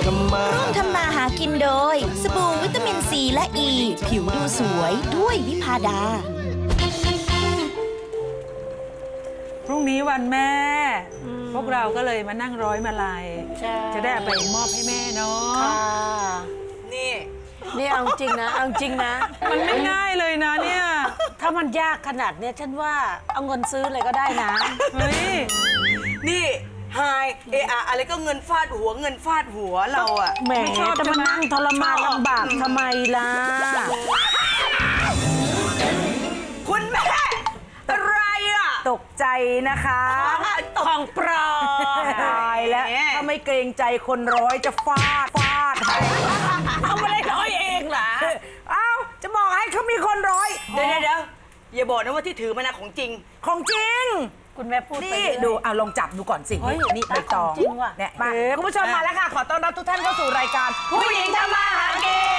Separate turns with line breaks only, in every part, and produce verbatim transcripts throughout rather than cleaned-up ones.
ำมาร่วมทำมาหากินโดยสบู่วิตามินซีและอ e, ีผิวดูสวยด้วยวิภาดา
พรุ่งนี้วันแม่ พวกเราก็เลยมานั่งร้อยมาลัยจะได้เอาไปมอบให้แม่เนาะ
นี่นี่เอาจริงนะเอาจริงนะ
มันไม่ง่ายเลยนะเนี่ย
ถ้ามันยากขนาดเนี้ยฉันว่าเอาเงินซื้อเลยก็ได้นะ
เฮ้ย
นี่ไฮเออะอะไรก็เงินฟาดหัวเงินฟาดหัวเราอะ
แหมจะมานั่งทรมานลำบากทำไมล่ะ
คุณแม่อะไรอะ
ตกใจนะคะ
ของปลอม
ตายแล้วถ้าไม่เกรงใจคนร้อยจะฟาดฟาด
เอามาได้ร้อยเองเหรอ
เอ้าจะบอกให้เขามีคนร้อย
เดี๋ยวเดี๋ยวอย่าบอกนะว่าที่ถือมานะของจริง
ของจริงคุณแม่พูดนี่ดูเอาลองจับดูก่อนสินี่ใบตองเนี่ยมาคุณผู้ชมมาแล้วค่ะขอต้อนรับทุกท่านเข้าสู่รายการ
ผู้หญิงทำมาหากิน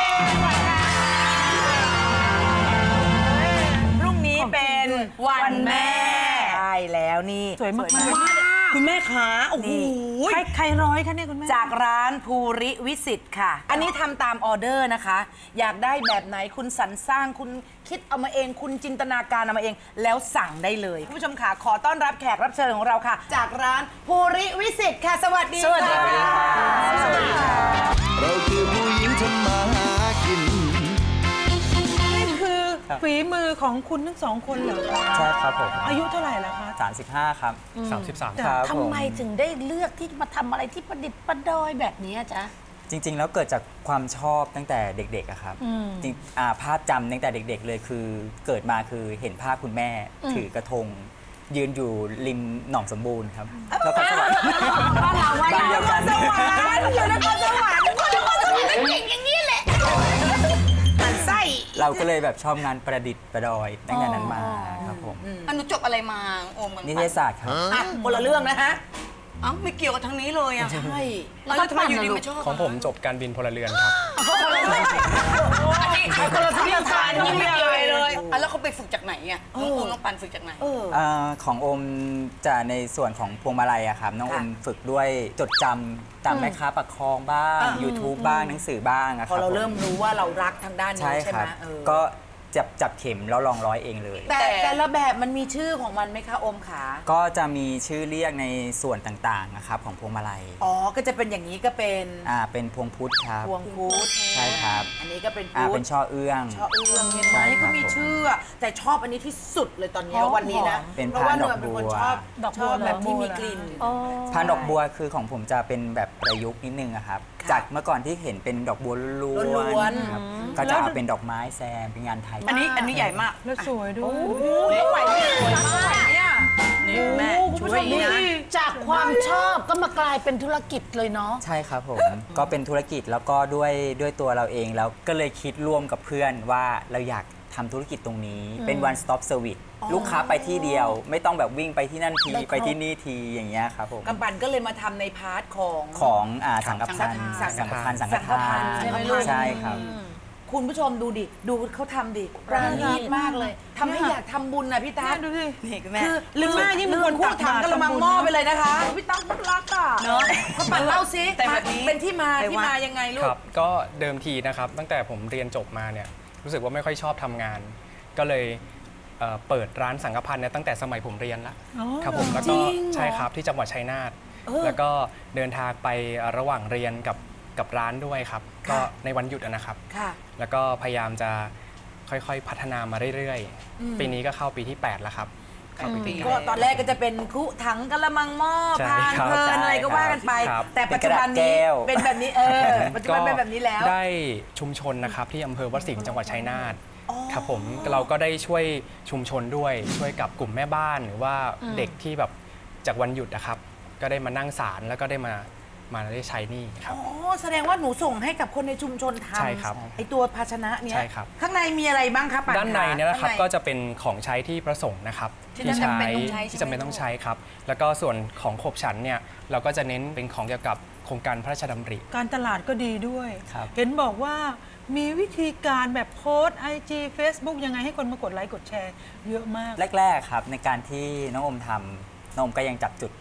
พรุ่งนี้เป็นวันแม่ใช่แล้วนี่
สวยมาก
คุณแม่ขาโอ้โห
ใครใครร้อยคะเนี่ยคุณแม่
จากร้านภูริวิสิตค่ะอันนี้ทำตามออเดอร์นะคะอยากได้แบบไหนคุณสรรสร้างคุณคิดเอามาเองคุณจินตนาการเอามาเองแล้วสั่งได้เลยคุณผู้ชมค่ะขอต้อนรับแขกรับเชิญของเราค่ะจากร้านภูริวิสิตค่ะสวัสดี
สวัสดีค่ะ
สวัสดีค่ะ
เราคือผู้หญิงทำมาหากิน
นี่คือฝีมือของคุณทั้งสองคนเหรอคะ
ใช่ครับผม
อายุเท่าไหร่แล้วคะ
สามสิบห้าครับสามสิบสาม
ครับทำไมถึงได้เลือกที่มาทำอะไรที่ประดิษฐ์ประดอยแบบนี้จ๊ะ
จริงๆแล้วเกิดจากความชอบตั้งแต่เด็กๆอะครับจริงภาพจำตั้งแต่เด็กๆเลยคือเกิดมาคือเห็นภาพคุณแม่ถือกระทงยืนอยู่ริมหนองสมบูรณ์ครับแล้วก็สวรรค์
บ้านเราบ้านเดียวกันสวรรค์อยู่นครสวรรค์คนนครสวรรค์เก่งอย่างนี้แหละมันไส้
เราก็เลยแบบชอบงานประดิษฐ์ประดอยตั้งแต่นั้นมาครับผม
อนุจบอะไรมาโอม
นิเทศศาสตร์ครับ
คนละเรื่องนะฮะ
อ้าวไม่เกี่ยวกับทางนี้เลยอ่ะ
ใช่
แล้วทำไมอยู่ดีมาชอบ
ของผมจบการบินพลเรือนครับ
อันนี้คนละที่ทานนี่ไม่เกี่ยวเลยอ่ะแล้วเขาไปฝึกจากไหนอ่ะน้องโอมน้องปันฝึกจากไหน
ของโอมจะในส่วนของพวงมาลัยอะครับน้องโอมฝึกด้วยจดจำตามแม่ค้าปากคลองบ้าง YouTube บ้างหนังสือบ้างอะครับ
พอเราเริ่มรู้ว่าเรารักทางด้านนี้ใช่ไหม
ก็จับจับเข็มแล้วลองร้อยเองเลย
แต่แต่ละแบบมันมีชื่อของมันไหมคะโอมขา
ก็จะมีชื่อเรียกในส่วนต่างๆนะครับของพวงมาลัย
อ๋อก็จะเป็นอย่างนี้ก็เป็น
อ่าเป็นพวงพุทธครับ
พวงพุทธ
ใช่ครับ
อันนี้ก็เป็น
พุทธอ่าเป็นช่อเอื้อง
ช่อเอื้องเห็นไหมก็มีชื่อแต่ชอบอันนี้ที่สุดเลยตอนนี้วันนี้นะ
เพราะว่าหนูเป็นคนชอบ
ชอบแบบที่มีกลิ่น
พานดอกบัวคือของผมจะเป็นแบบประยุกต์นิดนึงอะครับจากเมื่อก่อนที่เห็นเป็นดอกบัวล้วนๆครับก็จะเอาเป็นดอกไม้แซมเป็นงานไทย
อันนี้อันนี้ใหญ่มาก
แล้วสวยด้วย
ไม่ไหวไม่สวยมากเนี่ย
นี่แม่ช่วยนะ
จากความชอบก็มากลายเป็นธุรกิจเลยเนาะ
ใช่ครับผมก็เป็นธุรกิจแล้วก็ด้วยด้วยตัวเราเองแล้วก็เลยคิดร่วมกับเพื่อนว่าเราอยากทำธุรกิจตรงนี้เป็น one stop service ลูกค้าไปที่เดียวไม่ต้องแบบวิ่งไปที่นั่นทีไปที่นี่ทีอย่างเงี้ยครับผม
กำปั่นก็เลยมาทำในพาร์ทของ
ของสังฆทานสังฆทานสังฆทานใช่ครับ
คุณผู้ชมดูดิดูเขาทำดิประณีตมากเลยทำให้อยากทำบุญนะพี่ตั๊ก
ดูสิ
นี่คุณแม่
คือลืมที่มีคนพูดถังกระมังหม้อไปเลยนะคะพี่ตั๊กพูดรักอ่ะเนาะเขาปั่นเล่าซิแต่แบบนี้เป็นที่มาที่มายังไงลูก
ครับก็เดิมทีนะครับตั้งแต่ผมเรียนจบมาเนี่ยรู้สึกว่าไม่ค่อยชอบทำงานก็เลยเปิดร้านสังฆพันธ์เนี่ยตั้งแต่สมัยผมเรียนละครับผมแล้วก็ใช่ครับที่จังหวัดชัยนาทแล้วก็เดินทางไประหว่างเรียนกับกับร้านด้วยครับก็ในวันหยุดนะครับแล้วก็พยายามจะค่อยๆพัฒนามาเรื่อยๆปีนี้ก็เข้าปีที่แปดแล้วครับ
ก็ตอนแรกก็จะเป็นคุถังกระมังหม้อพานเพลินอะไรก็ว่ากันไปแต่ปัจจุบันนี้เป็นแบบนี้เออปัจจุบันเป็นแบบนี้แล้ว
ได้ชุมชนนะครับที่อำเภอวัดสิงห์จังหวัดชัยนาทครับผมเราก็ได้ช่วยชุมชนด้วยช่วยกับกลุ่มแม่บ้านหรือว่าเด็กที่แบบจากวันหยุดนะครับก็ได้มานั่งศาลแล้วก็ได้มามาได้ใช้นี่ครับ
อ๋อแสดงว่าหนูส่งให้กับคนในชุมชนทำ
ใช่ครับ
ไอตัวภาชนะเนี้ย
ใช่ครับ
ข้างในมีอะไรบ้างครับ
ด้านในเนี่ยนะครับก็จะเป็นของใช้ที่ประสงค์นะครับที่ใช้ที่จำเป็นต้องใช้ครับแล้วก็ส่วนของขบฉันเนี่ยเราก็จะเน้นเป็นของเกี่ยวกับโครงการพระราชดำริ
การตลาดก็ดีด้วยเห็นบอกว่ามีวิธีการแบบโพสไอจีเฟซบุ๊กยังไงให้คนมากดไลค์กดแชร์เยอะมาก
แรกๆครับในการที่น้องอมทำน้องอมก็ยังจับจุด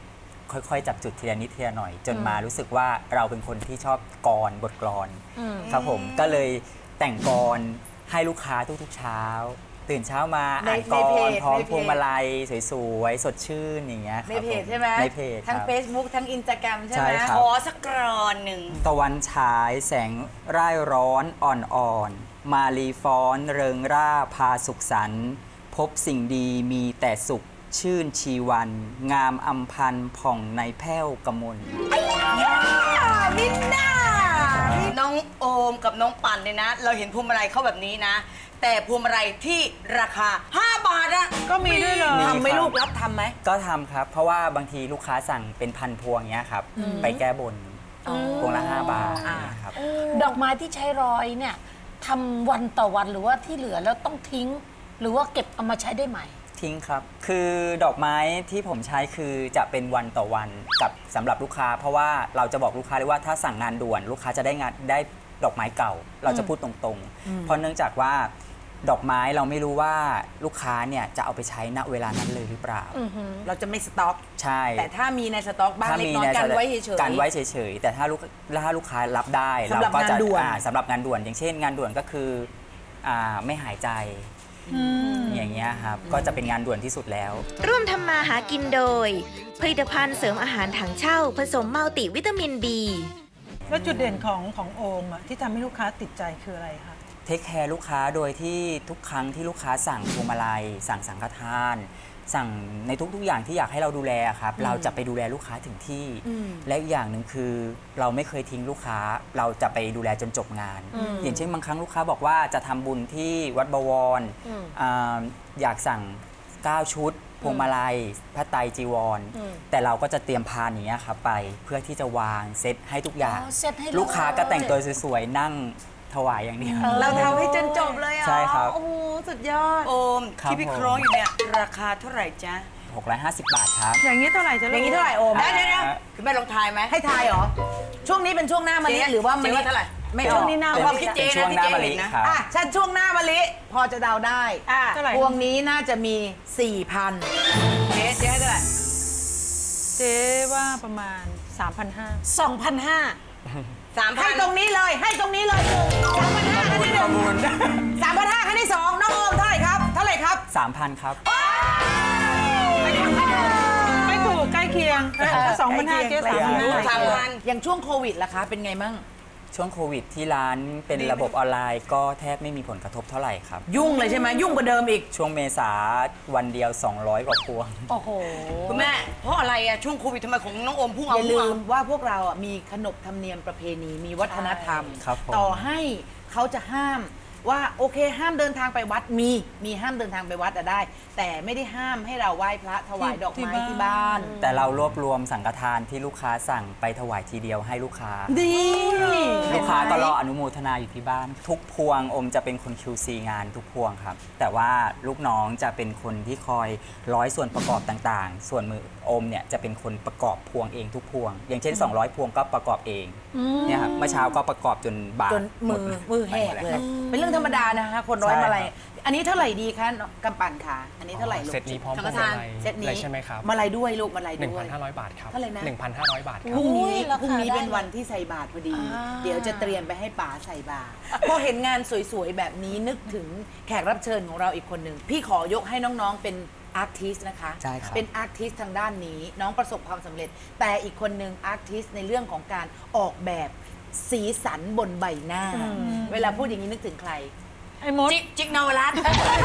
ค่อยๆ จับจุดทีละนิดทีละหน่อย จนมารู้สึกว่าเราเป็นคนที่ชอบกรบทกลอนครับผมก็เลยแต่งกรให้ลูกค้าทุกๆเช้า ตื่นเช้ามา
ใน
อ่านก
ในเพ
ร
จ
พร้อม
ในเพจ
พวงมาลัยสวยๆ สดชื่นอย่างเงี้ยครับ
ในเพจ
ผ
ใช่ไหม
ในเพจ
ทั้ง
ครับ
Facebook ทั้ง Instagram ใช่
ใช่
ไหม
ครับ
ขอสักกรอนหนึ่ง
ตะวันฉายแสงร่ายร้อนอ่อนๆ มาลีฟ้อนเริงร่าพาสุขสันต์พบสิ่งดีมีแต่สุขชื่นชีวัน งามอำพันธ์ผ่องในแผ้วกมล
มินน่า
น้องโอมกับน้องปั่นเนี่ยนะ เราเห็นพวงมาลัยเขาแบบนี้นะ แต่พวงมาลัยที่ราคา ห้า บาทอะ
ก็มีด้วยเหรอ
มี
ทำไหมลูกรับทำไหม
ก็ทำครับ เพราะว่าบางทีลูกค้าสั่งเป็นพันพวงเงี้ยครับ ไปแก้บนพวงละห้าบาทเนี่ยครับ
ดอกไม้ที่ใช้ร้อยเนี่ยทำวันต่อวันหรือว่าที่เหลือแล้วต้องทิ้ง หรือว่าเก็บเอามาใช้ได้ใหม่
ทิ้งครับ คือดอกไม้ที่ผมใช้คือจะเป็นวันต่อวันกับสำหรับลูกค้า เพราะว่าเราจะบอกลูกค้าเลยว่าถ้าสั่งงานด่วน ลูกค้าจะได้งานได้ดอกไม้เก่า เราจะพูดตรงๆ เพราะเนื่องจากว่าดอกไม้เราไม่รู้ว่าลูกค้าเนี่ยจะเอาไปใช้ณเวลานั้นเลยหรือเปล่า
เราจะไม่สต็อก
ใช่
แต่ถ้ามีในสต็อกบ้างเล็กน้อยกันไว้เฉยๆ
กันไว้เฉยๆ แต่ถ้าลูกถ้าลูกค้ารับได้
สำหรับ
ก็จะ
งานด่วน
อ่าสำหรับงานด่วน อย่างเช่น งานด่วนก็คืออ่าไม่หายใจอย่างเงี้ยครับก็จะเป็นงานด่วนที่สุดแล้ว
ร่วมทำมาหากินโดย ผลิตภัณฑ์เสริมอาหารถังเช่า ผสมมัลติวิตามิน บี
แล้วจุดเด่นของของโอมอะที่ทำให้ลูกค้าติดใจคืออะไรคะ
เทคแคร์ลูกค้าโดยที่ทุกครั้งที่ลูกค้าสั่งพวงมาลัย สั่งสังฆทาน สั่งในทุกๆอย่างที่อยากให้เราดูแลครับ เราจะไปดูแลลูกค้าถึงที่ และอีกอย่างหนึ่งคือเราไม่เคยทิ้งลูกค้า เราจะไปดูแลจนจบงาน อย่างเช่นบางครั้งลูกค้าบอกว่าจะทำบุญที่วัดบวรอ่าอยากสั่ง เก้า ชุด พวงมาลัยพระไตรจีวร แต่เราก็จะเตรียมพานอย่างเงี้ยครับไปเพื่อที่จะวางเซตให้ทุกอย่าง
อ๋อเซ็ตให้เลย
ลูกค้าก็แต่งตัวสวยๆนั่งถวายอย่างเดียว
เราทำให้จนจบเลยอ่ะ
ใช่ครับ
โอ้โหสุดยอด
โอม
ครับ
ที่พี่
ผม
คล้องอยู่เนี่ย ราคาเท่าไหร่จ๊ะ
หกร้อยห้าสิบบาทครับ
อย่างนี้เท่าไหร่จะ
อ
ลูก
ย่างนี้เท่าไหร่โอม
เดี๋ยวเดี๋ยวเดี๋ยวคุณแม่ลองทายไหม
ให้ทายเหรอ ช่วงนี้เป็นช่วงหน้ามะลิ
เจ๊
หรือว่ามะ
เจ๊
ลิ
ว่าเท่าไหร่
ไม่
เป็น
ออก
นี่หน้า
เอาความคิดเจ๊
เป็นช่ว
นะ
ง
ที่
หน้า
เจ๊
มะลิ
เห็นนะ
ครับ
อ่ะฉันช่วงหน้ามะลิพอจะเดาได้
อ่ะเท่าไหร่
พวงนี้น่าจะมี สี่พัน
เจ๊เจ๊ให้เท่าไหร่
เจ๊ว่าประมาณ สามพันห้าร้อย
สองพันห้า
สามพั
ให้
น
ตรงนี้เลยให้ตรงนี้เลยสามพันห้าขั้นที่หนึ่งสามพันห้าขั้นที่สองน้องโอมเท่าไหร่ครับ เท่าไหร่ครับ
สามพันครับ
ไม่ถูกใกล้เคียงสองพันห้าเจ๊
ใกล้
สาม
เคี
พัน
ยง
ห้า
สามพัน
อย่างช่วงโควิดล่ะคะ เป็นไงมั่ง
ช่วงโควิดที่ร้านเป็นระบบออนไลน์ก็แทบไม่มีผลกระทบเท่าไหร่ครับ
ยุ่งเลยใช่ไหมยุ่งกว่าเดิมอีก
ช่วงเมษาวันเดียว สองร้อย กว่าพวง
โอ้โห
คุณแม่ เพราะอะไรอะช่วงโควิดทำไมของน้องโอมพุ่ง
อ
เอา
ย่า
พุ่
ลื
งเอา
มว่าพวกเราอ่ะมีขนบธรรมเนียมประเพณีมีวัฒนธรรม
ครับผม
ต่อให้เขาจะห้ามว่าโอเคห้ามเดินทางไปวัดมีมีห้ามเดินทางไปวัดอะได้ แต่ไม่ได้ห้ามให้เราไหว้พระถวายดอกไม้ที่บ้าน
แต่เรารวบรวมสังฆทานที่ลูกค้าสั่งไปถวายทีเดียวให้ลูกค้า
ดี
ลูกค้าก็รออนุโมทนาอยู่ที่บ้าน ทุกพวงอมจะเป็นคน คิว ซี งานทุกพวงครับ แต่ว่าลูกน้องจะเป็นคนที่คอยร้อยส่วนประกอบต่างๆ ส่วนมืออมเนี่ยจะเป็นคนประกอบพวงเองทุกพวง อย่างเช่น สองร้อย พวงก็ประกอบเองเนี่ยครับเมื่อเช้าก็ประกอบจนบาด
จนมือ
หด
มือแหกเลย
ครับ
เป็นเรื่องธรรมดานะคะคนร้อย
ใช่
มาลัย
ครับ
อันนี้เท่าไหร่ดีคะน้องกำปั่นค่ะอันนี้เท่าไหร่ลูก
เซตนี้พร้อมพ
สั
ว
ง
ง
ฆ
มา
ทาน
ลัย
เซต
เล
นี้
ยใช่ไหมครับ
มาลัยด้วยลูกมาลัย
หนึ่ง
ด้ว
พั
ย
นห้าร้อยบาทครับ
เท่าไหร่นะ
หนึ่งพันห้าร้อยบาทครับ
พรุ่งนี้
ราคา
พรุ่งนี้
ได้
เป็นวันที่ใส่บาตรพอดี
อ่า
เดี๋ยวจะเตรียมไปให้ป๋าใส่บาตรพอเห็นงานสวยๆ แบบนี้นึกถึงแขกรับเชิญของเราอีกคนหนึ่ง พี่ขอยกให้น้องๆเป็นอาร์ติสนะคะ
ใช่ครับ
เป็นอาร์ติสทางด้านนี้ น้องประสบความสำเร็จ แต่อีกคนหนึ่งอาร์ติสในเรื่องของการออกแบบสีสันบนใบหน้า เวลาพูดอย่างนี้นึกถึงใคร
ไอ้มด
จิกจิกนวรัตน์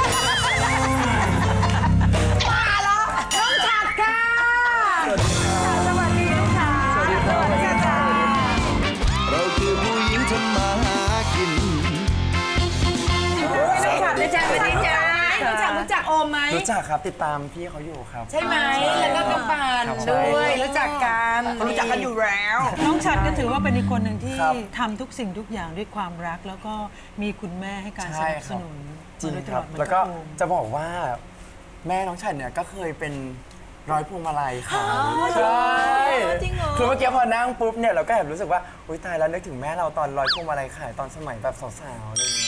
มาแล้วน้องฉัดค่ะ สวัสดีลูกค้าสวัสดีค่ะ
เราคือผู้หญิงทำมาหากิน
น้องฉัดรู้จักไหมรู้จักรู้จักโอมไหม
รู้จักครับติดตามพี่เขาอยู่ครับ
ใช่ไหมแล้วก็กำปาน
ครับ
ด้วยรู้จักกันรู้จักกันอยู่แล้ว
น้องฉัดก็ถือว่าเป็นอีกคนหนึ่งที่
ครับ
ทำทุกสิ่งทุกอย่างด้วยความรัก แล้วก็มีคุณแม่ให้การส
ใช่
นับ
ค
ส
รับ
นุน
จริง
มาโดยต
ค
ล
รั
อบ ดเหมือน
แล้วก็
บโอม
จะบอกว่าแม่น้องฉันเนี่ยก็เคยเป็นร้อยพวงมาลัยค่ะใช่จริงเหรอคือเมื่อกี้พอนั่งปุ๊บเนี่ยเราก็แอบรู้สึกว่าอุ้ยตายแล้วนึกถึงแม่เราตอนร้อยพวงมาลัยขายตอนสมัยแบบสาวๆอะไรอย่างเงี้ย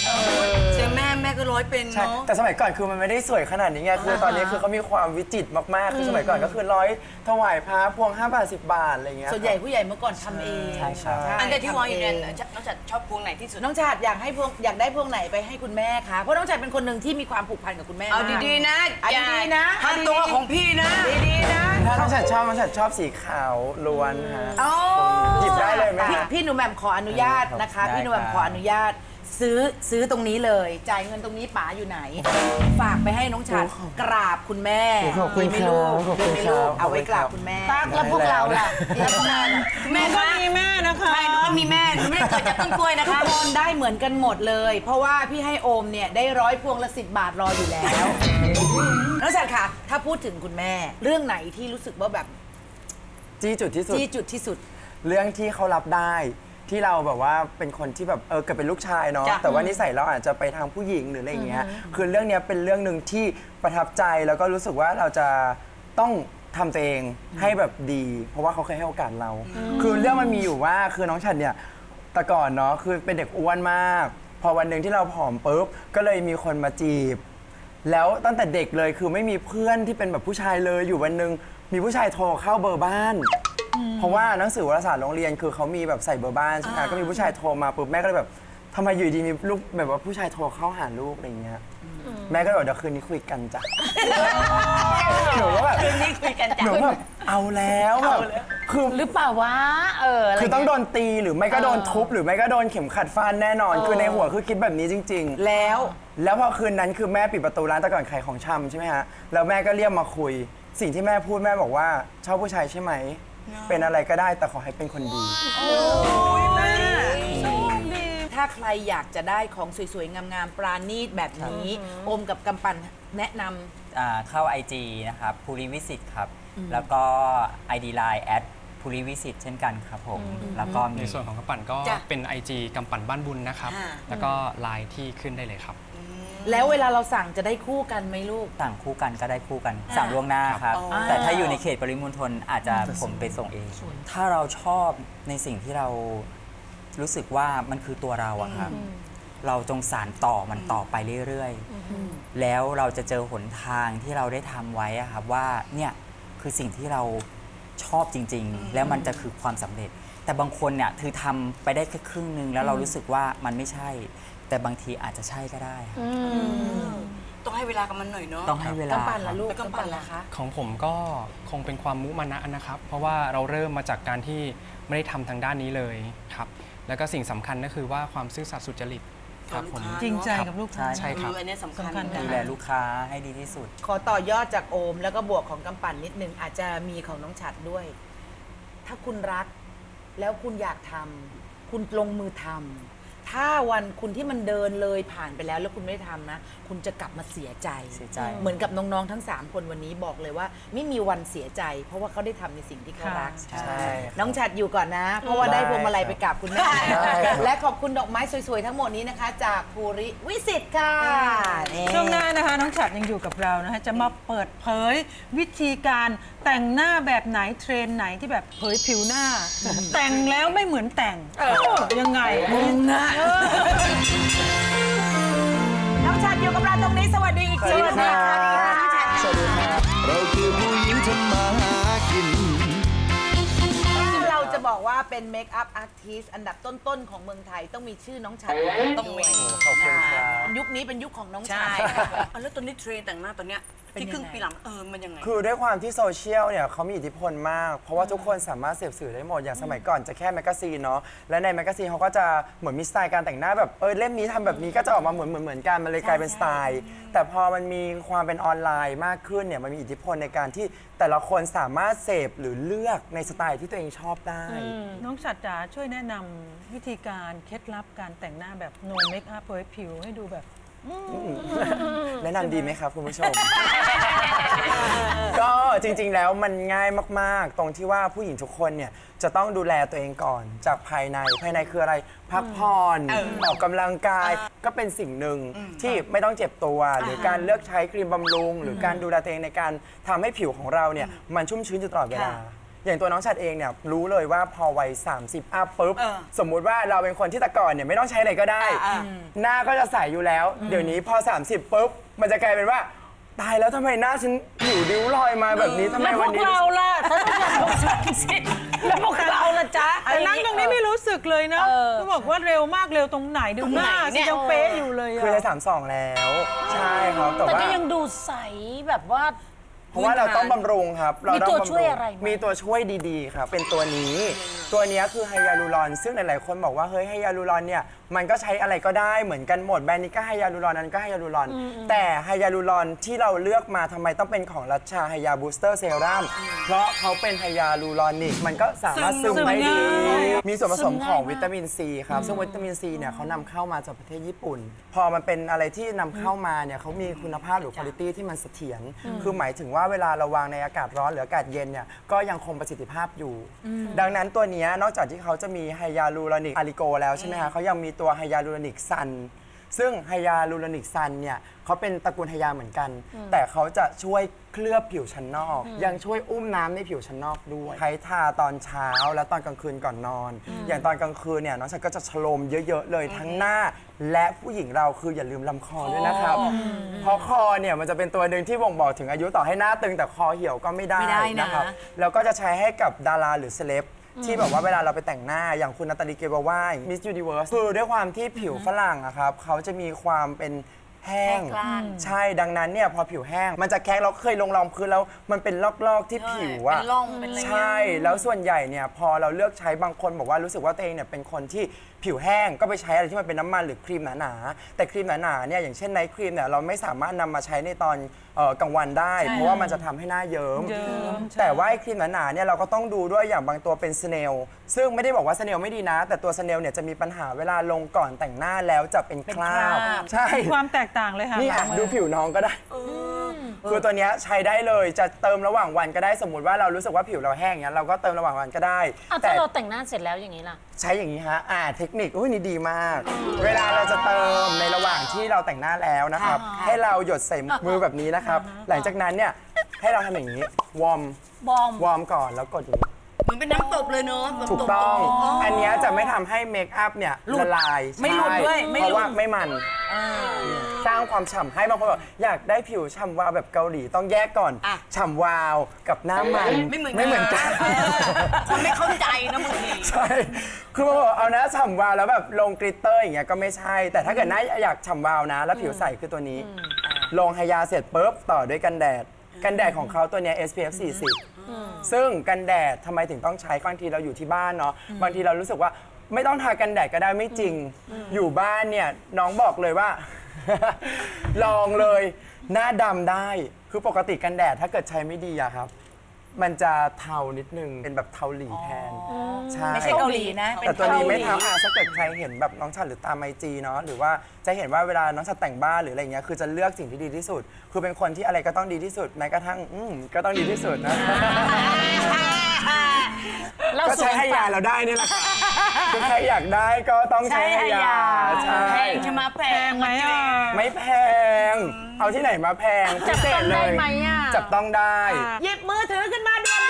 เสียงแม่แม่ก็ร้อยเป็น
ใช่
เนาะ
แต่สมัยก่อนคือมันไม่ได้สวยขนาดนี้ไงคือตอนนี้คือเขามีความวิจิตรมากๆคือสมัยก่อนก็คือร้อยถวายพระพวงห้าบาทสิบบาทอะไรอย่างเงี้ย
ส่วนใหญ่ผู้ใหญ่เมื่อก่อนทำเอง
ใช่ครับ
อันเดียวที่วางอยู่เนี่ย
ทำง
น้องจัดชอบพวงไหนที่สุด
น้องชาติอยากให้พวงอยากได้พวงไหนไปให้คุณแม่คะเพราะน้องชาติเป็นคนหนึ่งที่มีความผูกพันกับคุณแม่
เอา
มาก
ดีๆนะ
เอาดีๆนะ
ถ้าตัวของพี่นะ
ดีๆนะ
ถ้าน้องฉัดชอบน้องฉัดชอบสีขาวล้วนฮะ
อ๋อ
หยิบได้เลยไหม
พี่
ฮะ
พี่หนูแหม่มขออนุญาตนะคะ
ได้
พี่หนูแหม่ม
ครับ
ขออนุญาต ซื้อซื้อตรงนี้เลย จ่ายเงินตรงนี้ป๋าอยู่ไหน ฝากไปให้น้องฉัดกราบคุณแม่
ขอบคุณ
ดีไหม
ครับ
ลูก
ขอบคุณ
ดีไหม
ครับ
ลูกเอาไว้
ขอบคุณ
กราบ
ครับ
คุณแม่
ตักแล้วพวกเราล่ะแล้วพวกเราล่ะ
แม่
ก็
คะ
มีแม่นะคะ
ใช่หนูก็มีแม่หนูไม่ได้เกิดจากต้นกล้วยนะ
ทุก
คะ
คนได้เหมือนกันหมดเลย เพราะว่าพี่ให้โอมเนี่ยได้ร้อยพวงละสิบบาทรออยู่แล้ว น้องฉัดค่ะ ถ้าพูดถึงคุณแม่ เรื่องไหนที่รู้สึกว่าแบบ
จี้จุดที่สุด
จี้จุดที่สุด
เรื่องที่เขารับได้ที่เราแบบว่าเป็นคนที่แบบเออเกิดเป็นลูกชายเนาะ
จ้ะ
แต่ว่านิสัยเราอาจจะไปทางผู้หญิงหรืออะไรอย่างเงี้ยคือเรื่องเนี้ยเป็นเรื่องหนึ่งที่ประทับใจแล้วก็รู้สึกว่าเราจะต้องทำตัวเองให้แบบดี เพราะว่าเขาเคยให้โอกาสเรา คือเรื่องมันมีอยู่ว่าคือน้องฉันเนี่ยแต่ก่อนเนาะคือเป็นเด็กอ้วนมาก พอวันหนึ่งที่เราผอมปุ๊บก็เลยมีคนมาจีบ แล้วตั้งแต่เด็กเลยคือไม่มีเพื่อนที่เป็นแบบผู้ชายเลยอยู่วันหนึ่งมีผู้ชายโทรเข้าเบอร์บ้าน เพราะว่าหนังสือวารสารโรงเรียนคือเขามีแบบใส่เบอร์บ้านใช่ไหมก็มีผู้ชายโทรมาปุ๊บแม่ก็เลยแบบทำไมอยู่ดีมีลูกแบบว่าผู้ชายโทรเข้าหาลูกอะไรอย่างเงี้ยแม่ก็เลยบอกเดี๋ยวคืนนี้คุยกันจ้ะหนูว่าแบบ
คืนนี้คุยกันจ้ะ
หนูแบบเอาแล้วแบบคือ
หรือเปล่าวะเอออะไร
คือต้อง
เงี้ย
โดนตีหรือไม่ก็โดนทุบหรือไม่ก็โดนเข็มขัดฟันแน่นอน คือในหัวคือคิดแบบนี้จริง ๆ
แล้ว
แล้วพอคืนนั้นคือแม่ปิดประตูร้านแต่ก่อนขายของชำใช่ไหมฮะ แล้วแม่ก็เรียกมาคุย สิ่งที่แม่พูดแม่บอกว่าชอบผู้ชายใช่ไหม เป็นอะไรก็ได้แต่ขอให้เป็นคนดี
ถ้าใครอยากจะได้ของสวยๆ งามๆ ปราณีตแบบนี้ โอมกับกำปั่นแนะนำ
อ่าเข้า ไอ จี นะครับภูริวิสิตครับ แล้วก็ ไอ ดี ไลน์ แอดภูริวิสิตเช่นกันครับผม แล้วก็มี
ในส่วนของกำปั่นก็
จ้ะ
เป็น ไอ จี กำปั่นบ้านบุญนะครับ
อ่า
แล้วก็ไลน์ที่ขึ้นได้เลยครับ
แล้วเวลาเราสั่งจะได้คู่กันไหมลูก
สั่งคู่กันก็ได้คู่กัน สั่งล่วงหน้าครับ แต่ถ้าอยู่ในเขตปริมณฑลอาจจะผมไปส่งเอง ถ้าเราชอบในสิ่งที่เรารู้สึกว่ามันคือตัวเราอะครับ เราจงสานต่อมันต่อไปเรื่อยๆ แล้วเราจะเจอหนทางที่เราได้ทำไว้อะครับว่าเนี่ยคือสิ่งที่เราชอบจริง ๆ แล้วมันจะคือความสำเร็จ แต่บางคนเนี่ยคือทำไปได้แค่ครึ่งหนึงแล้วเรารู้สึกว่ามันไม่ใช่ แต่บางทีอาจจะใช่ก็ได้ครับ
ต้องให้เวลากับมันหน่อยเนาะ
ต้องให้เวลาก
ำปั่นล่ะลูก
แล้วกำปั่นล่ะ
ล่ะคะ
ของผมก็คงเป็นความมุมานะนะครับ เพราะว่าเราเริ่มมาจากการที่ไม่ได้ทำทางด้านนี้เลยครับ แล้วก็สิ่งสำคัญก็คือว่าความซื่อสัตย์สุจริตครับผม
จริงใจกับลูกค้า
ใช่ครับ
เอออันเนี้ยสำคัญ
สำคัญค่ะ
ดูแลลูกค้าให้ดีที่สุด
ขอต่อยอดจากโอม แล้วก็บวกของกำปั่นนิดนึง อาจจะมีของน้องฉัดด้วย ถ้าคุณรัก แล้วคุณอยากทำคุณลงมือทำถ้าวันคุณที่มันเดินเลยผ่านไปแล้ว แล้วคุณไม่ได้ทำนะ คุณจะกลับมาเสียใจ
เสียใจ
เหมือนกับน้องๆทั้งสามคนวันนี้บอกเลยว่า ไม่มีวันเสียใจ เพราะว่าเขาได้ทำในสิ่งที่เขารัก
ใช่
ใช่ครับ
น้องฉัดอยู่ก่อนนะ เพราะว่าได้พวงมาลัยไปกราบคุณแม่
ได้ครับ
และขอบคุณดอกไม้สวยๆทั้งหมดนี้นะคะ จากภูริวิสิตค่ะนี่
ช่วงหน้านะคะน้องฉัดยังอยู่กับเรานะคะจะมาเปิดเผยวิธีการแต่งหน้าแบบไหนเทรนด์ไหนที่แบบเผยผิวหน้า แต่งแล้วไม่เหมือนแต่งยังไง
น้องฉัดอยู่กับเราตรงนี้สวัสดีอีกที
สวัสดีครับ
สวัสดีค่ะ
เราคือผู้หญิงทำมาหากิน
เราจะบอกว่าเป็นเมคอัพอาร์ติสต์อันดับต้นๆของเมืองไทยต้องมีชื่อน้องฉัด
ต้องมี
ขอบคุณครับ
ยุคนี้เป็นยุคของน้องฉั
ใช่
ด
เอาแล้วตอนนี้เทรนแต่งหน้าตอนเนี้ย
เป็น
ที่ครึ่ง
ยังไง
ปีหลังเออมันยังไง
คือด้วยความที่โซเชียลเนี่ยเขามีอิทธิพลมาก เพราะว่าทุกคนสามารถเสพสื่อได้หมด อย่างสมัยก่อนจะแค่แมกกาซีนเนาะ และในแมกกาซีนเขาก็จะเหมือนมีสไตล์การแต่งหน้าแบบเออเล่มนี้ทำแบบนี้ก็จะออกมาเหมือนเหมือนเหมือนกัน มันเลยกลายเป็นสไตล์ แต่พอมันมีความเป็นออนไลน์มากขึ้นเนี่ย มันมีอิทธิพลในการที่แต่ละคนสามารถเสพหรือเลือกในสไตล์ที่ตัวเองชอบได้
น้องฉัดจ๋าช่วยแนะนำวิธีการเคล็ดลับการแต่งหน้าแบบ no make up เผยผิวให้ดูแบบ
แนะนำดีไหมครับคุณผู้ชม ก็จริงๆแล้วมันง่ายมากๆ ตรงที่ว่าผู้หญิงทุกคนเนี่ยจะต้องดูแลตัวเองก่อนจากภายในภายในคืออะไรพักผ่อนออกกำลังกายก็เป็นสิ่งหนึ่งที่ไม่ต้องเจ็บตัว หรือการเลือกใช้ครีมบำรุง หรือการดูแลตัวเองในการทำให้ผิวของเราเนี่ยมันชุ่มชื้นอยู่ตลอดเวลาอย่างตัวน้องชัดเองเนี่ยรู้เลยว่าพอวัยสามสิบอัพปุ๊บ
เออ
สมมุติว่าเราเป็นคนที่แต่ก่อนเนี่ยไม่ต้องใช้อะไรก็ได้
อ่า
หน้าก็จะใสอยู่แล้ว เดี๋ยวนี้พอ สามสิบปุ๊บมันจะกลายเป็นว่าตายแล้วทำไมหน้าฉันผิวริ้วรอยมาแบบนี้ทำไม
แล้วพ
วั
วน ก
นี้
เราล่ะถ้าต้องการสามสิบแล้วพวกเราล่ะจ๊ะ
แต่นั่งตรงนี้ไม่รู้สึกเลยนะเขาบอกว่าเร็วมากเร็วตรงไหนดูหน้าสิยังเป๊ะอยู่เลยอะ
คือในสามสองแล้ว ใช่ครับแต่
แต่
ว่า
ก็ยังดูใสแบบว่า
เพราะว่าเราต้องบำรุงครับเรา
มี
ต้อง
ตัว
บำรุง
ช่วยอะไรไหม
มีตัวช่วยดีๆครับเป็นตัวนี้ ตัวเนี้ยคือไฮยาลูรอนซึ่งหลายๆคนบอกว่าเฮ้ยไฮยาลูรอนเนี่ยมันก็ใช้อะไรก็ได้เหมือนกันหมดแบรนด์นี้ก็ไฮยาลูรอนนั้นก็ไฮยาลูรอนแต่ไฮยาลูรอนที่เราเลือกมาทำไมต้องเป็นของรัชชาไฮยาบูสเตอร์เซรั่มเพราะเขาเป็นไฮยาลูรอนิกมันก็สามารถซึมได้ดี มีส่วนผสมของวิตามินซีครับซึ่งวิตามินซีเนี่ยเขานำเข้ามาจากประเทศญี่ปุ่น พอมันเป็นอะไรที่นำเข้ามาเนี่ยเขามีคุณภาพหรือคุณภาพที่มันเสถียรคือหมายถึงว่าเวลาเราวางในอากาศร้อนหรืออากาศเย็นเนี่ยก็ยังคงประสิทธิภาพอยู่ ดังนั้นตัวเนี้ยนอกจากที่เขาจะมีไฮยาลูรอนิกอาริโกแล้วใช่ไหมคะเขายังมีตัวไฮยาลูรอนิกซันซึ่งไฮยาลูรอนิกซันเนี่ยเขาเป็นตระกูลไฮยาเหมือนกัน แต่เขาจะช่วยเคลือบผิวชั้นนอก ยังช่วยอุ้มน้ำในผิวชั้นนอกด้วยใช้ทาตอนเช้าและตอนกลางคืนก่อนนอน อย่างตอนกลางคืนเนี่ยน้องฉันก็จะชโลมเยอะๆเลยทั้งหน้า และผู้หญิงเราคืออย่าลืมลำคอด้วยนะครับ เพราะคอเนี่ยมันจะเป็นตัวหนึ่งที่บ่งบอกถึงอายุต่อให้หน้าตึงแต่คอเหี่ยวก็ไม่ได้
ไม่ได้นะ
นะครับแล้วก็จะใช้ให้กับดาราหรือเซเลบที่แบบว่าเวลาเราไปแต่งหน้าอย่างคุณนาตาลีเกวาว่ามิสยูนิเวิร์สคือด้วยความที่ผิวฝรั่งอะครับเขาจะมีความเป็นแห้ง ใช่ดังนั้นเนี่ยพอผิวแห้ง มันจะแคะเราเคยลงรองพื้นแล้วมันเป็นลอกๆที่ผิวอะ
เป็นร่องเป็นอะไรเงี้ย
ใช่แล้วส่วนใหญ่เนี่ยพอเราเลือกใช้บางคนบอกว่ารู้สึกว่าตัวเองเนี่ยเป็นคนที่ผิวแห้งก็ไปใช้อะไรที่มันเป็นน้ำมันหรือครีมหนาๆแต่ครีมหนาๆเนี่ยอย่างเช่นไนท์ครีมเนี่ยเราไม่สามารถนำมาใช้ในตอนเอ่อกลางวันได้ เพราะว่ามันจะทำให้หน้าเยิ้ม
เยิ้มใช่
แต่ว่าไอ้ครีมหนาๆเนี่ยเราก็ต้องดูด้วยอย่างบางตัวเป็นสเนลซึ่งไม่ได้บอกว่าสเนลไม่ดีนะ แต่ตัวสเนลเนี่ยจะมีปัญหาเวลาลงก่อนแต่งหน้าแล้วจะเป็นคราบใช่
ความแตกต่างเลยค่ะ
นี่อ่ะ
น้อง
ดูผิวน้องก็ได้คือตัวเนี้ยใช้ได้เลยจะเติมระหว่างวันก็ได้สมมติว่าเรารู้สึกว่าผิวเราแห้งเงี้ยเราก็เติมระหว่างวันก็ได้
อ่ะ
แต่
ถ้าเราแต่งหน้าเสร็จแล้วอย่างนี้ล่ะ
ใช้อย่างนี้ฮะอ่าเทคนิคอุ้ยนี่ดีมาก เวลาเราจะเติมในระหว่างที่เราแต่งหน้าแล้วนะครับให้เราหยดใส่มือแบบนี้นะครับหลังจากนั้นเนี่ยให้เราทำอย่างนี้วอร์ม
บอม
วอร์มก่อนแล้วกดอย่างนี้
เหมือนเป็นน้ำตบเลยเนอะแบบ
ถูก
ตบ
ต้อง
ๆ
อันเนี้ยจะไม่ทำให้เมคอัพเนี่ยละลาย
ไม่หลุด
ใช่
ด้วยไม่
เพ
หลุด
ราะว่าไม่มันสร้างความฉ่ำให้บางคนบอกอยากได้ผิวฉ่ำวาวแบบเกาหลีต้องแยกก่อน
อ่ะ
ฉ่ำวาวกับหน้ามัน
ไม่เหมือน
ไม่เหมือนกัน
เออคนไม่เข้าใจนะบางที
ใช่ คือบางคนบอกเอานะฉ่ำวาวแล้วแบบลงกลิตเตอร์อย่างเงี้ยก็ไม่ใช่ แต่ถ้าเกิดหน้าอยากฉ่ำวาวนะ แล้วผิวใสคือตัวนี้ ลงไฮยาเสร็จปุ๊บต่อด้วยกันแดด กันแดดของเขาตัวเนี้ย เอส พี เอฟ สี่สิบ ซึ่งกันแดดทำไมถึงต้องใช้บางทีเราอยู่ที่บ้านเนาะบางทีเรารู้สึกว่าไม่ต้องทากันแดดก็ได้ไม่จริง อยู่บ้านเนี่ยน้องบอกเลยว่า ลองเลยหน้าดำได้คือปกติกันแดดถ้าเกิดใช้ไม่ดีอะครับ มันจะเทานิดนึงเป็นแบบเทาหลีแทนใช่
ไม่ใช่เกาหลีนะ
แต่ตัวนี้ไม่
เกาหลี
เทาอ่ะถ้าเกิดใครเห็นแบบน้องชัดหรือตามไอจีเนาะหรือว่าจะเห็นว่าเวลาน้องชัดแต่งบ้านหรืออะไรเงี้ยคือจะเลือกสิ่งที่ดีที่สุด คือเป็นคนที่อะไรก็ต้องดีที่สุดแม้กระทั่งอืมก็ต้องดีที่สุดนะ
เรา
ก็
ส
ใช้
วย
ให้ยาเราได้นี่แหละค่ะคือใครอยากได้ก็ต้องใช้ให้ยาใช่
แพงใช่ไหมแพ
แพงไหมอ่ะ
ไม่แพง เอาที่ไหนมาแพงพิ
จับ
เศ
ต้อ
ษ
ง
เล
ได้
ย
ไหมอ่ะ
จับต้องได้
หยิบมือถือขึ้นมาด่วน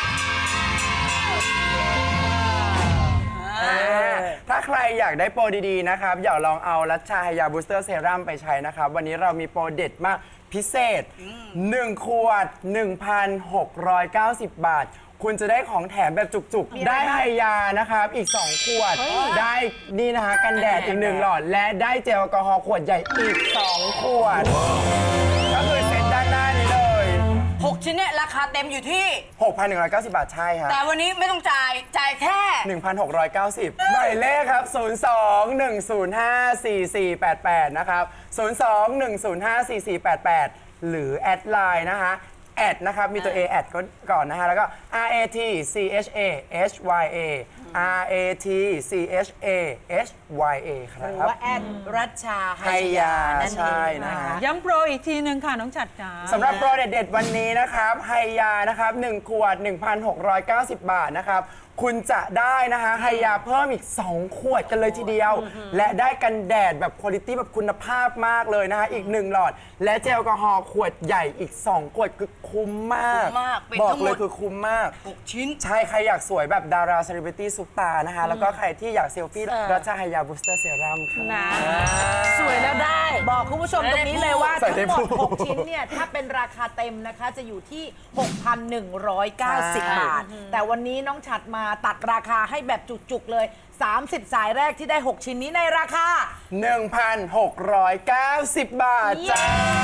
ถ้าใครอยากได้โปรดีๆนะครับอย่าลองเอารัชชาไฮยาบูสเตอร์เซรั่มไปใช้นะครับ วันนี้เรามีโปรเด็ดมากพิเศษ หนึ่ง ขวด หนึ่งพันหกร้อยเก้าสิบ บาท คุณจะได้ของแถมแบบจุกๆ ได้ไฮยานะครับ อีก สอง ขวด ได้นี่นะคะกันแดดอีกหนึ่งหลอด และได้เจลแอลกอฮอล์ขวดใหญ่อีก สอง ขวด ก็คือเซ็ตด้านหน้านี้เลย
หกชิ้นเนี่ยราคาเต็มอยู่ที่
หกพันหนึ่งร้อยเก้าสิบ บาทใช่ครับ
แต่วันนี้ไม่ต้องจ่าย จ่ายแค่
หนึ่งพันหกร้อยเก้าสิบ หมายเลขครับ ศูนย์ สอง หนึ่ง ศูนย์ ห้า สี่ สี่ แปด แปด นะครับ ศูนย์ สอง หนึ่ง ศูนย์ ห้า สี่ สี่ แปด แปด หรือแอดไลน์นะคะแอดนะครับ มีตัว A แอดก่อนนะฮะ แล้วก็ R A T C H A H Y A R A T C H A H Y A ครับ
หรือว่าแอดรัชชา
ไฮยาใช่นะฮะ
ย้ำโปรอีกทีหนึ่งค่ะน้องจัดจ๋า
สำหรับโปรเด็ดๆวันนี้นะครับไฮยานะครับหนึ่งขวด หนึ่งพันหกร้อยเก้าสิบ บาทนะครับคุณจะได้นะคะไฮยาเพิ่มอีก สอง ขวดกันเลยทีเดียว และได้กันแดดแบบคุณภาพแบบคุณภาพมากเลยนะคะอีกหนึ่งหลอด และเจลแอลกอฮอล์ขวดใหญ่อีก สอง ขวดคือคุ้มมาก
คุ้มมากเป็น
บอก
ทั้งหมด
เลยคือคุ้มมาก
หกชิ้น
ใช่ใครอยากสวยแบบดาราเซเลบริตี้ซุปตานะคะแล้วก็ใครที่อยากเซลฟี่รัชไฮยาบูสเตอร์เซรั่มค่ะ
นะสวยแล้วได้
บอกคุณผู้ชมตรงนี้เลยว่า
ใส่
ทั้
ได้
งหมด
พูด
หก ชิ้นเนี่ย ถ้าเป็นราคาเต็มนะคะ จะอยู่ที่ หกพันหนึ่งร้อยเก้าสิบ บาท แต่วันนี้น้องฉัดมาตัดราคาให้แบบจุกๆเลย สามสิบ สายแรกที่ได้ หก ชิ้นนี้ในราคา
หนึ่งพันหกร้อยเก้าสิบ บาทจ้า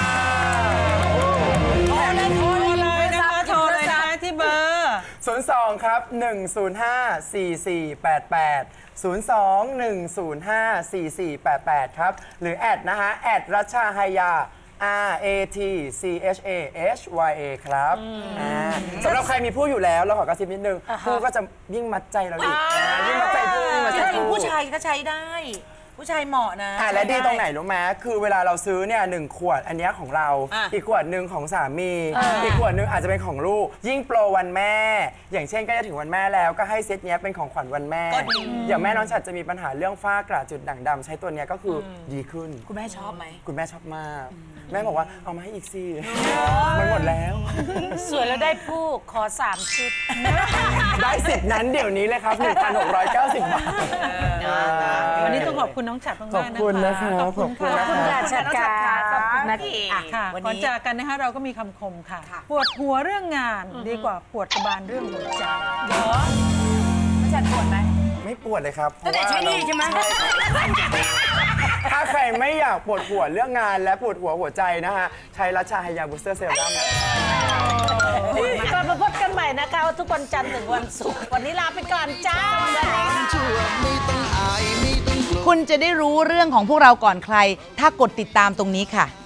โทรเลยโทร
โทร
เล
เลย ยนะคะโทรเลยนะคะที่เบอร์
ศูนย์ สอง ครับ หนึ่ง ศูนย์ ห้า สี่ สี่ แปด แปด ศูนย์ สอง หนึ่ง ศูนย์ ห้า สี่ สี่ แปด แปด ครับ หรือแอดนะฮะ แอดรัชชาไฮยา R A T C H A H Y A ครับอ่าสำหรับใครมีผู้อยู่แล้ว เราขอกระซิบนิดนึง ผู้ก็จะยิ่งมัดใจเราอีกนะยิ่งมัดใจผู้ยิ่งมัด
จ
ใจ
ริง
ผู้
ๆผู้ชายก็ใช้ได้ ผู้ชายเหมาะนะ
อ่ะและ
ใช้
ดีตรงไหนรู้ไหมคือเวลาเราซื้อเนี่ยหนึ่งขวดอันเนี้ยของเรา
อ่ะ
อีกขวดหนึ่งของสามี อีกขวดหนึ่งอาจจะเป็นของลูก ยิ่งโปรวันแม่ อย่างเช่นใก็จะถึงวันแม่แล้วก็ให้เซตเนี้ยเป็นของขวัญวันแม่
ก็ดี
อย่างแม่น้องฉัดจะมีปัญหาเรื่องฝ้ากระจุดด่างดำใช้ตัวเนี้ยก็คืออดีขึ้น
คุณแม่ชอบไหม
คุณแม่ชอบมาก แม่บอกว่าเอามาให้อีกสิมันหมดแล้ว
สวยแล้วได้ผู้ขอสามชุด
ได้สิทธิ์นั้นเดี๋ยวนี้เลยครับ หนึ่งพันหกร้อยเก้าสิบ บาท
วันนี้ต้องขอบคุณน้องฉัดมากๆ
ขอบคุณนะคะ
ขอบคุณค่ะ
ขอบคุณค่ะ
จัดการขอบคุณนะ
อ่ะ
ค่ะ
วัน
ก่อน
นี้
จากกันนะคะเราก็มีคำคมค่ะ
ค่ะ
ปวดหัวเรื่องงานดีกว่าปวดกระบาลเรื่องหัวใจ
เหรอน้องฉัดปวดไหม
ไม่ปวดเลยครับ
ตั้งแต่ใช้หนี่ใช่ไหม
ถ้าใครไม่อยากปวดหัวเรื่องงานและปวดหัวหัวใจนะฮะ ใช้รัชชาไฮยาบูสเตอร์เซรั่ม
ก่อนมาพบกันใหม่นะคะทุกวันจันทร์ถึงวันศุกร์วันนี้ลาไปก่อนจ้า
ไม่ต้องอายไม่ต้องกลัว
คุณจะได้รู้เรื่องของพวกเราก่อนใคร ถ้ากดติดตามตรงนี้ค่ะ